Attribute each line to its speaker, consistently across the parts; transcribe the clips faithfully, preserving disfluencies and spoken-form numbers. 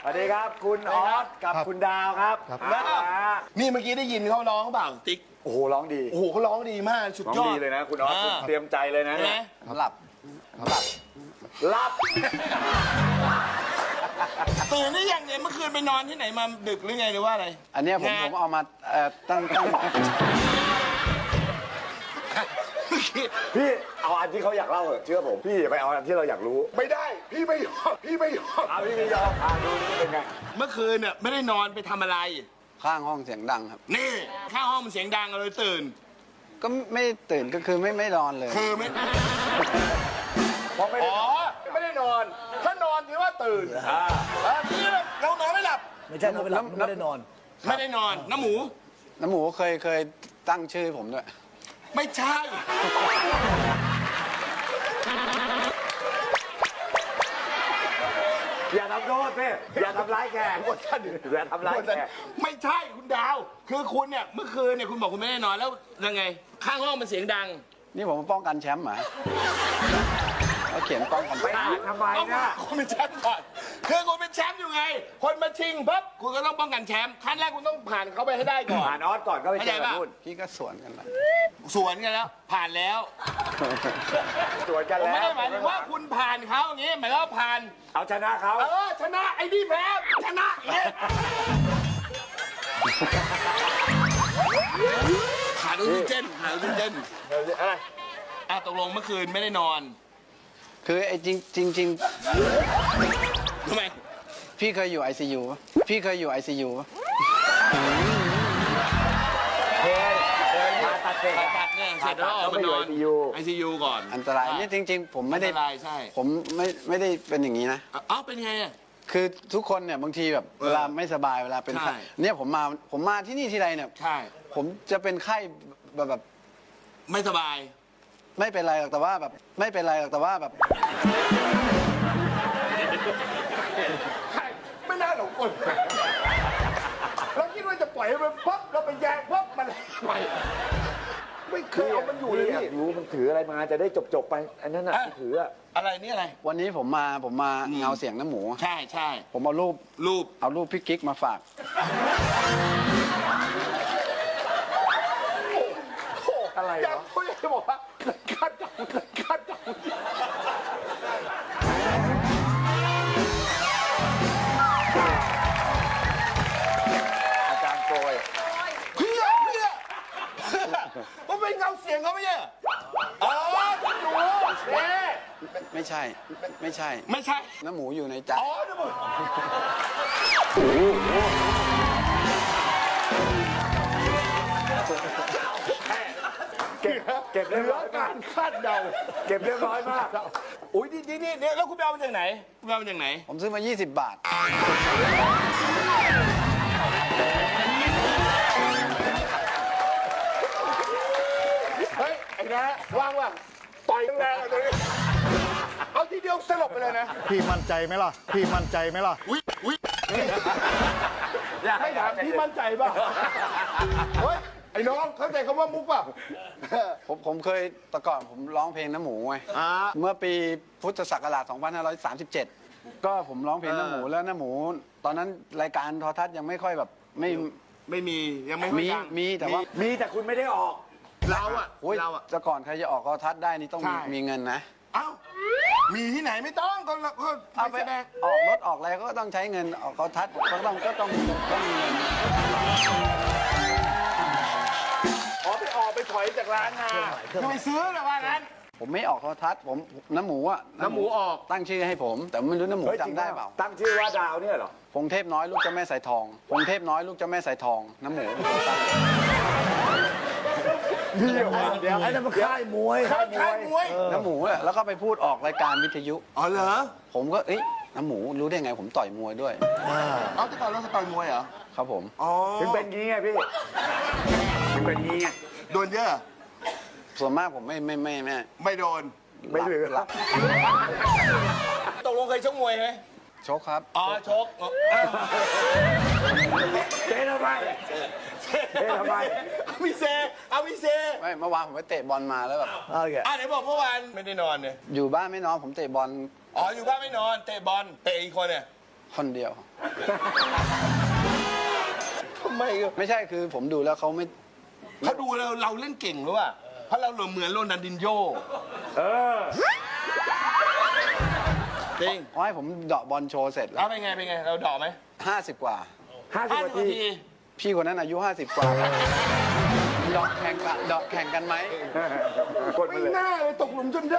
Speaker 1: สวัสดีครับคุณออสกับคุณดาวครับ
Speaker 2: นี่เมื่อกี้ได้ยินเขาร้องเปล่าติ๊ก
Speaker 1: โอ้โหร้องดี
Speaker 2: โอ้โหเขาร้องดีมากสุด
Speaker 1: ร้อง
Speaker 2: ยอ
Speaker 1: ดี
Speaker 2: ด
Speaker 1: เลยนะคุณออส
Speaker 2: อ่า
Speaker 1: คุณเตรียมใจเลยนะ
Speaker 2: ใช่ไหม
Speaker 3: หลับหลับ
Speaker 1: รับ
Speaker 2: ตื่นนี่ยังเนี่ยเมื่อคืนไปนอนที่ไหนมาดึกหรือไงหรือว่าอะไร
Speaker 3: อันเนี้ยผม
Speaker 2: งาน
Speaker 3: ผมเอามาเอ่อตั้งตั้ง
Speaker 1: พี่เอาอันที่เขาอยากเล่าเหอะเชื่อผมพี่อย่าไปเอาอันที่เราอยากรู้
Speaker 2: ไม่ได้ พี่ไม่ยอมพี่ไม่ยอม
Speaker 1: เอาพี่ไม่ยอมอ่านดูนี่เป็นไง
Speaker 2: เมื่อคืนเนี่ยไม่ได้นอนไปทำอะไร
Speaker 3: ข้างห้องเสียงดังครับ
Speaker 2: นี่ข้างห้องมันเสียงดังเลยตื่น
Speaker 3: ก็ไม่ตื่นก็คือไม่ไม่นอนเลย
Speaker 2: คือไม่
Speaker 1: เพราะไม่ได้
Speaker 2: อ๋อไม่ได้นอน ถ้านอนถือว่าตื่น
Speaker 1: อ่า
Speaker 2: อันนี้เรานอนไม่หลับ
Speaker 4: ไม่ใช่นอนไม่หลับไม่ได้นอน
Speaker 2: ไม่ได้นอนน้ำหมู
Speaker 3: น้ำหมูเคยเคยตั้งชื่อผมด้วย
Speaker 2: ไม่ใช่
Speaker 1: อย่าทำโทษพี่อย่าทำร้ายแขกอย่าทำร้ายแขก
Speaker 2: ไม่ใช่คุณดาว คือคุณเนี่ยเมื่อคืนเนี่ยคุณบอกคุณไม่ได้นอนแล้วยังไง ข้างห้องมันเสียงดัง
Speaker 3: นี่ผมป้องกันแชมป์เหรอเขาเขียนป้องกัน
Speaker 1: ไปอ่านทำไม
Speaker 2: ต้อง
Speaker 1: นะ
Speaker 2: คุณเป็นแชมป์ก่อนคือคุณเป็นแชมป์อยู่ไง คนมาชิงปั๊บคุณก็ต้องป้องกันแชมป์ขั้นแรกคุณต้องผ่านเขาไปให้ได้ก่อน
Speaker 1: อ่านออสก่อนก็ไปเจอกับนู่น
Speaker 3: พี่ก็สวนกันนะ
Speaker 2: สวนกันแล้ว ผ่านแล้ว
Speaker 1: สวนกัน
Speaker 2: ผม
Speaker 1: แล้ว
Speaker 2: ไม่ได้หมายถึงว่าคุณผ่านเขาอย่างงี้หมายถึงว่าผ่าน
Speaker 1: เอาชนะเขา
Speaker 2: เออชนะไอ้นี่แพ้ชนะอย่างงี้ขาดออกซิเจนขาดออกซิเจน
Speaker 1: อะไร
Speaker 2: อ่ะตกลงเมื่อคืนไม่ได้นอน
Speaker 3: คือไอ้จริงจริงจริง
Speaker 2: ทำไม
Speaker 3: พี่เคยอยู่ไอซียูพี่เคยอยู่ไอซียู
Speaker 1: เคยเคยผ่าตัดเสร็จ
Speaker 2: ผ่าตัดเนี่ยเสร็จแล้วออกมานอน
Speaker 1: ไอซียู
Speaker 2: ไอซียูก่อน
Speaker 3: อันตรายนี่จริง ๆ ผมไม่ได้
Speaker 2: อันตรายใช่
Speaker 3: ผมไม่ไม่ได้เป็นอย่างนี้นะ
Speaker 2: เอ้าเป็นไงอ่ะ
Speaker 3: คือทุกคนเนี่ยบางทีแบบ
Speaker 2: เออ
Speaker 3: เวลาไม่สบายเวลาเป็น
Speaker 2: ใช่
Speaker 3: ไข้เนี่ยผมมาผมมาที่นี่ทีไรเนี่ย
Speaker 2: ใช่
Speaker 3: ผมจะเป็นไข้แบบแบบ
Speaker 2: ไม่สบาย
Speaker 3: ไม่เป็นไรหรอกแต่ว่าแบบไม่เป็นไรหรอกแต่ว่าแบบ
Speaker 2: ไม่น่าหลงกลเราคิดว่าจะปล่อยให้มันพับเราไปแยงพับมันไปไม่เคยเอามันอยู่เลย
Speaker 1: พี่อยา
Speaker 2: พี่
Speaker 1: กรู้มันถืออะไรมาจะได้จบจบๆไป อันนั้นน่ะ
Speaker 2: อ่ะ
Speaker 1: ที่ถืออะ
Speaker 2: อะไรนี่อะไร
Speaker 3: วันนี้ผมมาผมมา
Speaker 2: อืม
Speaker 3: เงาเสียงน้ำหมู
Speaker 2: ใช่ใช่
Speaker 3: ผมเอารูป
Speaker 2: รูป
Speaker 3: เอารูปพี่กิ๊กมาฝาก
Speaker 1: อะไร
Speaker 2: อยาก
Speaker 1: วะ
Speaker 2: พูดจะบอกว่าคาดเดาคาดเดา
Speaker 1: อาจารย์โกย
Speaker 2: เพื่อเพื่อมันเป็นเงาเสียงเขาไม่ใช่เหรออ๋อหนูเอ๊ะ
Speaker 3: ไม่ใช่ไม่ใช่
Speaker 2: ไม่ใช่
Speaker 3: น้ำหมูอยู่ในใจ
Speaker 2: อ๋อนะมึง
Speaker 1: เก็บเก็บ
Speaker 2: เห
Speaker 1: เรียบ
Speaker 2: ลื
Speaker 1: ร้
Speaker 2: อ
Speaker 1: อย
Speaker 2: การคาดเดา
Speaker 1: เก็บเรียบร้อยมาก
Speaker 2: อุ้ยนี่นี่นี่แล้วคุณไปเอามาจากไหนคุณไปเอามาจากไหน
Speaker 3: ผมซื้อมา ยี่สิบบาท
Speaker 2: เฮ้ย ไอ้นะว่างว่างต่อยแรงๆเลยเอาทีเดียวสลบไปเลยนะ
Speaker 4: พี่มั่นใจไหมล่ะ พี่มั่นใจไหมล่ะ
Speaker 2: วิวิให้ถามพี่มั่นใจป่ะ เฮ้ย ไอ้น้องเข้าใจคำว่ามุกป่ะ
Speaker 3: ผมผมเคยแต่ก่อนผมร้องเพลงน้ำหมูไง
Speaker 2: อ่า
Speaker 3: เมื่อปีพุทธศักราช สองพันห้าร้อยสามสิบเจ็ด ก็ผมร้องเพลงน้ำหมูแล้วน้ำหมู ตอนนั้นรายการโทรทัศน์ยังไม่ค่อยแบบไม่
Speaker 2: ไม่มียังไม่ค่อย
Speaker 3: มี
Speaker 2: ดัง
Speaker 3: มีแต่ว่า
Speaker 1: มีแต่คุณไม่ได้ออก
Speaker 2: เราอะ
Speaker 3: โอ้ย
Speaker 2: เราอะ
Speaker 3: แต่ก่อนใครจะออกโทรทัศน์ได้นี่ต้องมี
Speaker 2: ใช่
Speaker 3: มีเงินนะ
Speaker 2: เอ้า มีที่ไหนไม่ต้องก็เราก็
Speaker 3: เอาไป
Speaker 2: ไปแสดง
Speaker 3: ออกรถออกอะไรก็ต้องใช้เงินออกโทรทัศน์ก็ต้องก็ต้องต้องมีเงิน
Speaker 2: อ๋อไปออกไปถอยจากร้านมาคือไปซื้อแต่ว่างั้น
Speaker 3: ผมไม่ออกโทรทัศน์ผมน้ำหมูอะ
Speaker 2: น้ำหมูออก
Speaker 3: ตั้งชื่อให้ผม แต่ไม่รู้น้ำหมู
Speaker 1: เฮ้ยจริง
Speaker 3: จำได้เปล่า
Speaker 1: ตั้งชื่อว่าดาวเนี่ยเหรอ
Speaker 3: พงเทพน้อยลูกเจ้าแม่สายทองพงเทพน้อยลูกเจ้าแม่สายทองน้ำหมู
Speaker 1: เดี๋ยวเดี๋ยว
Speaker 4: ไอ้นั่นมันค่ายมวย
Speaker 2: ค่ายค่ายมวย
Speaker 3: น้ำหมูอะแล้วก็ไปพูดออกรายการวิทยุ
Speaker 2: อ๋อเหรอ
Speaker 3: ผมก็เอ้ยน้ำหมูรู้ได้ไงผมต่อยมวยด้วย
Speaker 2: เอาที่ก่อนเราสต่อยมวยเหรอ
Speaker 3: ครับผม
Speaker 2: อ๋อ
Speaker 1: ถึงเป็นงี้ไงพี่ถึงเป็นงี้ไง
Speaker 2: โดนเยอะ
Speaker 3: ส่วนมากผมไม่ไม่ไม่ไม่
Speaker 2: ไม่โดน
Speaker 1: ไม่เหลือ
Speaker 3: หลับ
Speaker 2: ตกลงเคยชกมวยไหม
Speaker 3: ชกครับ
Speaker 2: อ๋อชกอ๋อ
Speaker 1: เจ๊ทำไมเจ๊ทำไม
Speaker 2: เอาวิเซเอาวิเซ
Speaker 3: ไม่เมื่อวานผมไปเตะบอลมาแล้วแบบ
Speaker 4: โอเค
Speaker 2: อ่ะไหนบอกเมื่อวานไม่ได้นอนเนี่ย
Speaker 3: อยู่บ้านไม่นอนผมเตะบอล
Speaker 2: อ๋ออยู่บ้านไม่นอนเตะบอลเตะอีกคนเนี่ย
Speaker 3: คนเดียว
Speaker 5: ทำไมอะ
Speaker 3: ไม่ใช่คือผมดูแล้วเขาไม่
Speaker 5: เขาดูเราเราเล่นเก่งหรือว่าเพราะเราเหมือนโรนัลดินโญ่
Speaker 1: เออ
Speaker 5: จริง
Speaker 3: เขาให้ผมเดาะบอลโชว์เสร็จแล้
Speaker 5: แล้ว
Speaker 3: ว
Speaker 5: เป็นไงเป็นไงเราเดอกไหม
Speaker 3: ห้าสิบกว่า
Speaker 1: ห้าสิบ
Speaker 5: ห้าสิ
Speaker 1: นา
Speaker 5: บนา
Speaker 1: ที
Speaker 5: ที
Speaker 3: พี่คนนั้นอายุห้าสิบกว่าเดาะแข่งกันเดาะแข่งกันไหม
Speaker 1: กดมา
Speaker 2: ไม่
Speaker 1: เลย
Speaker 2: น่าเลยตกหลุมจนได้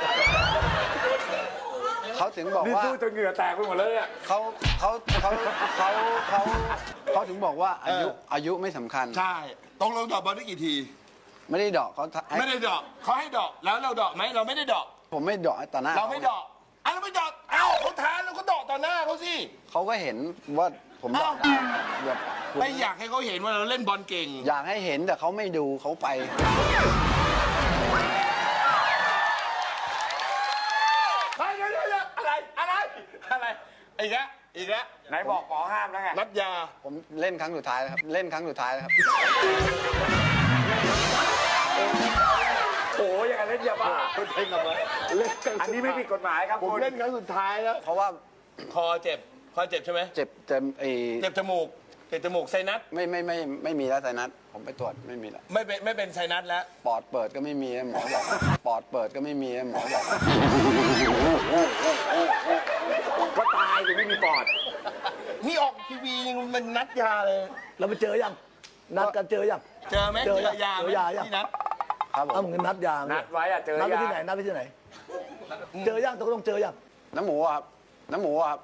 Speaker 3: เขาถึงบอก
Speaker 1: นี่
Speaker 3: ว่า
Speaker 1: สู้จนเหงื่อแตกไปหมดเลยเนี่ย
Speaker 3: เขาเขาเขาเขาเขาเขาถึงบอกว่าอายุอายุไม่สำคัญ
Speaker 5: ใช่ตรงเราเดอกบอลได้กี่ที
Speaker 3: ไม่ได้เดาะเขาให้
Speaker 5: ไม่ได้เดอกเขาให้เดอกแล้วเราเดอกไหมเราไม่ได้เดอก
Speaker 3: ผมไม่เดาะต่อหน้า
Speaker 5: เราไม่เดอกอ้าวเราไม่เดอกเอ้าเขาท้าเราก็เดอกต่อหน้าเขาสิ
Speaker 3: เขาก็เห็นว่าผมเดาะได้แบบผม
Speaker 5: ไม่อยากให้เขาเห็นว่าเราเล่นบอลเก่ง
Speaker 3: อยากให้เห็นแต่เขาไม่ดูเขาไป
Speaker 5: เฮ้ยเดี๋ยวเดี๋ยวเดี๋ยวอะไรอะไรอะไรอีกแล้วอีกแล้ว
Speaker 1: ไหนบอกหมอห้ามแล้วไง
Speaker 5: นัดยา
Speaker 3: ผมเล่นครั้งสุดท้ายแล้วครับ เล่นครั้งสุดท้ายแล้วครับ
Speaker 1: โอ้ยอย่างนั้นเล่นยาบ้า
Speaker 2: คนเพ่งกับมันเล่นกัน
Speaker 1: อันนี้ไม่ผิดกฎหมายครับ
Speaker 2: ผม
Speaker 1: คุณ
Speaker 2: เล่นครั้งสุดท้ายแล้ว
Speaker 3: เพราะว่า
Speaker 5: คอเจ็บคอเจ็บใช่ไหม
Speaker 3: เจ็บเจ็บไอ
Speaker 5: เจ็บจมูกเจ็บจมูกไซนัส
Speaker 3: ไม่ไม่ไม่ไม่มีแล้วไซนัสผมไปตรวจไม่มีแล้ว
Speaker 5: ไม่เป็นไม่เป็นไซนัสแล้ว
Speaker 3: ปอดเปิดก็ไม่มีหมอบอกปอดเปิดก็ไม่มีหมอบอก
Speaker 1: ก็ตายถึงไม่มีปอด
Speaker 5: นี่ออกทีวียังมันนัดยาเลย
Speaker 4: เราไปเจอยัง นัดกันเจอยัง
Speaker 5: เจอไหม
Speaker 4: เจ
Speaker 5: เจ
Speaker 4: อ
Speaker 5: อยาไหม
Speaker 4: เจอยายัง
Speaker 5: ที่นัด
Speaker 3: ครับผ
Speaker 4: เอา
Speaker 3: ม
Speaker 4: เหมือนนัดยา
Speaker 1: นัดไว้อะเจอ
Speaker 4: นัดไป
Speaker 1: ยา
Speaker 4: ที่ไหน นัดไปที่ไหน เจอยังตกลงเจอยัง
Speaker 3: น้ำหมูอะครับน้ำหมูอะครับ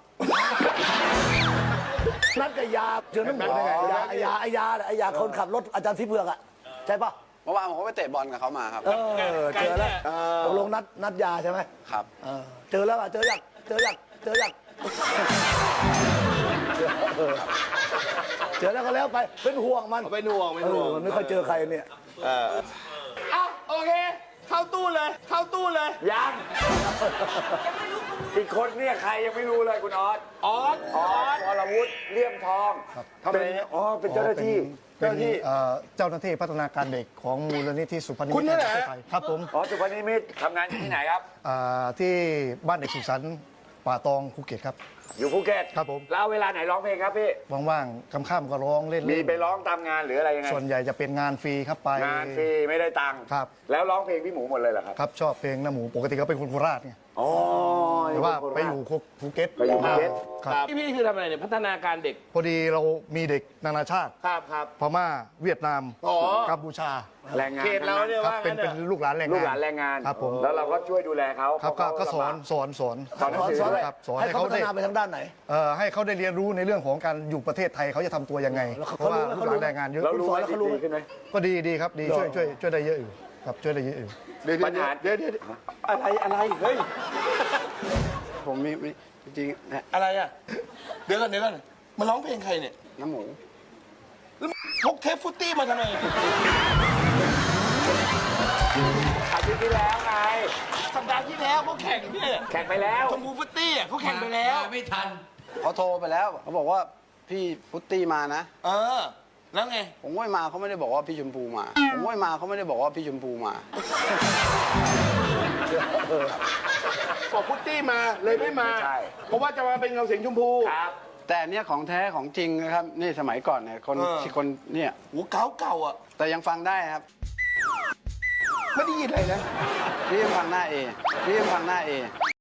Speaker 4: นัดกับยา เจอน้ำหมูได้ไงยาไอยาไอยาไอยาคนขับรถอาจารย์ทิพย์เผือกอะใช่ปะ
Speaker 3: เมื่อวานผมก็ไปเตะบอลกับเขามาครับ
Speaker 4: เออ เจอแล้วตกลงนัดนัดยาใช่ไหม
Speaker 3: ครับ
Speaker 4: เออเจอแล้วอะเจอยังเจอยังเจอยังเออเจอแล้วก็แล้วไป เป็นห่วงมัน
Speaker 5: เอาไปหน่วงไป
Speaker 4: เอ
Speaker 5: หน่ว
Speaker 4: อง มันไม่ค่อยเจอใครเนี่ย
Speaker 5: เอ้าโอเค เข้าตู้เลย เข้าตู้เลย
Speaker 1: ยัง อีกคนเนี่ยใครยังไม่รู้เลยคุณออส
Speaker 5: ออส
Speaker 1: ออสวรวุฒิเลี่ยมทองเป็นอ๋อเป็นเจ้าหน้าที่
Speaker 4: เจ้าหน้าที่เอ่อเจ้าหน้าที่พัฒนาการเด็กของมูลนิธิสุพรรณนิมิตแห่งประเทศไทยครับผม
Speaker 1: อ๋อสุพรรณนิมิตรทำงานอยู่ที่ไหนครับ
Speaker 4: อ่าที่บ้านเด็กสุขสันต์ป่าตองภูเก็ตครับ
Speaker 1: อยู่ภูเก็ต
Speaker 4: ครับผม
Speaker 1: แล้วเวลาไหนร้องเพลงครับพี่
Speaker 4: ว่างๆค่ำๆก็ร้องเล่นๆ
Speaker 1: มีไปร้องตามงานหรืออะไรยังไง
Speaker 4: ส่วนใหญ่จะเป็นงานฟรีครับไป
Speaker 1: งานฟรีไม่ได้ตังค์
Speaker 4: ครับ
Speaker 1: แล้วร้องเพลงพี่หมูหมดเลยเหรอครับ
Speaker 4: ครับชอบเพลงน้าหมูปกติก็เป็นคนโคราชไง
Speaker 1: อ๋อ
Speaker 4: แต่ว่าไปอยู่ภูเก็ต
Speaker 1: ไปอยู่ภูเก็ต
Speaker 4: ครับ
Speaker 5: พี่พี่คือทำอะไรเนี่ยพัฒนาการเด็ก
Speaker 4: พอดีเรามีเด็กนานาชาติ
Speaker 5: ครับครับ
Speaker 4: พม่าเวียดนาม
Speaker 5: อ๋อ
Speaker 4: กัมพูชา
Speaker 1: แรงงาน
Speaker 5: เขตเราเนี่ย
Speaker 4: ครับ
Speaker 5: ว่า
Speaker 4: เป็น
Speaker 5: งั้น
Speaker 4: เป็น
Speaker 5: เถอะ
Speaker 4: ลูกหลานแรงงาน
Speaker 1: ลูกหลานแรงงาน
Speaker 4: ครับผม
Speaker 1: แล้วเราก็ช่วยดูแลเขา
Speaker 4: ครับก็
Speaker 1: เพาะ
Speaker 4: ก็สอน
Speaker 1: ลำบา
Speaker 4: สอนสอน
Speaker 1: สอนหนังสือด้วย
Speaker 4: ครับสอนให้ให้เขา เขา พัฒได้นาไปทางด้านไหนเอ่อให้เขาได้เรียนรู้ในเรื่องของการอยู่ประเทศไทยเขาจะทำตัวยังไงแล้วเขาเพราะว่าเขาลูรู้กหลานแรงงานเยอะ
Speaker 1: แล้วรู้
Speaker 4: สอ
Speaker 1: ว่าน
Speaker 4: แล้วเขารู้
Speaker 1: ดีขึ้นไหม
Speaker 4: ก็ดีดีครับดีช่วยช่วยช่วยได้เยอะอยู่ครับช่วยได้เยอะอยู่
Speaker 5: เดี๋ยว
Speaker 1: ปัญหา
Speaker 5: เดี๋ยวเดี๋ยวเดี๋ยวอะไรอะไรเฮ้ย
Speaker 3: ผมมีมีจริงๆนะ
Speaker 5: อะไรอ่ะ เดี๋ยวก่อนเดี๋ยวก่อนมาร้องเพลงใครเนี่ย
Speaker 3: น้ำหมู
Speaker 5: แล้วพกเทปฟุตตี้มาทำไม
Speaker 1: อาทิตย์ที่แล้วไง
Speaker 5: สัปดาห์ที่แล้วเขาแข่งเนี่ย
Speaker 1: แข่งไปแล้ว
Speaker 5: ชมพูฟุตตี้อ่ะเขาแข่งไปแล้ว
Speaker 3: เขาโทรไปแล้วเขาบอกว่าพี่พุตตี้มานะ
Speaker 5: เออ แล้วไง
Speaker 3: ผมก็ไม่มาเขาไม่ได้บอกว่าพี่ชมพูมา ผมก็ไม่มาเขาไม่ได้บอกว่าพี่ชมพูมา
Speaker 5: บอกฟุตตี้มาเลยไม่มา
Speaker 1: ใช่
Speaker 5: เพราะว่าจะมาเป็นเงาเสียงชมพู
Speaker 1: ครับ
Speaker 3: แต่อันเนี้ยของแท้ของจริงนะครับ นี่สมัยก่อนเนี่ยคน
Speaker 5: เออ
Speaker 3: ที่คนเนี่ย
Speaker 5: โอ้เก่าเก่าๆอ่ะ
Speaker 3: แต่ยังฟังได้ครับ
Speaker 5: ไม่ได้ยินอะไรนะ
Speaker 3: พี่ยังฟังหน้าเอพี่ยังฟังหน้าเอ